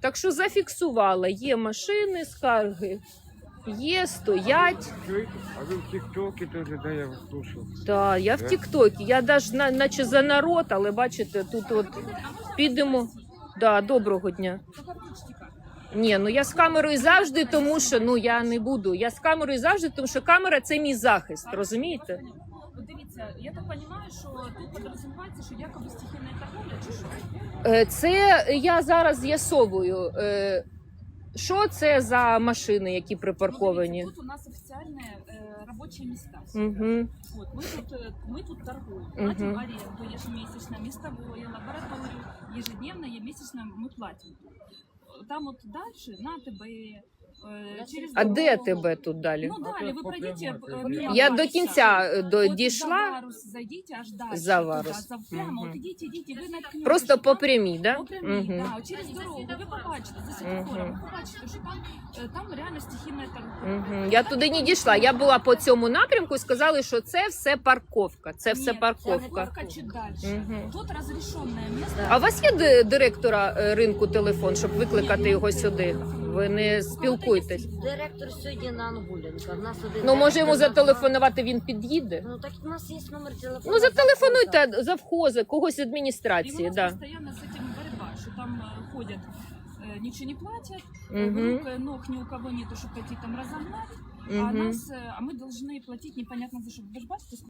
Так що зафіксувала, є машини, скарги, є, стоять. А вы в ТикТоке тоже, да, я вас слушал. Так, я в Тіктокі, я навіть наче за народ, але бачите, тут от підемо. Да, доброго дня. Ні, ну я з камерою завжди, тому що, ну я не буду. Я з камерою завжди, тому що камера – це мій захист, розумієте? От дивіться, я так розумію, що тут підрозумівається, що якоби стихійна торговля чи що? Це я зараз з'ясовую. Що це за машини, які припарковані? Ну, дивіться, тут у нас офіційні робочі місця. Угу. От, ми тут торгуємо, платимо аренду ежемесячно, містової, лабораторію, ежедневно, ежемесячно ми платимо. Там от далі на ТБ, через А де дорогу. тебе тут далі? Ну далі, ви пройдете. Я до кінця дійшла. Зайдіть аж далі. За Варус. Прямо, от ідіть, ви наткнетесь. Просто по прямій, да? По прямій, да, через дорогу. Ви побачите, за світлофором, ви побачите, що там реально стихійна торговля. Я туди не дійшла. Я була по цьому напрямку і сказали, що це все парковка. Це все Ні, парковка. парковка чуть далі. Тут розрішене місце. А у вас є директора ринку телефон, щоб викликати його сюди? Ви не спілкуєтесь? Директор сьогодні на Ангуленка. В нас один Ну, може йому директор зателефонувати, він під'їде? Ну так у нас є номер телефону. Ну, зателефонуйте завхоза, когось з І у адміністрації, нас да. постійно з цим боротьба, що там ходять, нічого не платять, Мгм. рук, ног ни у кого нету, щоб пойти там разогнать, а Мгм. а мы должны платить непонятно за что. Вы же бачите,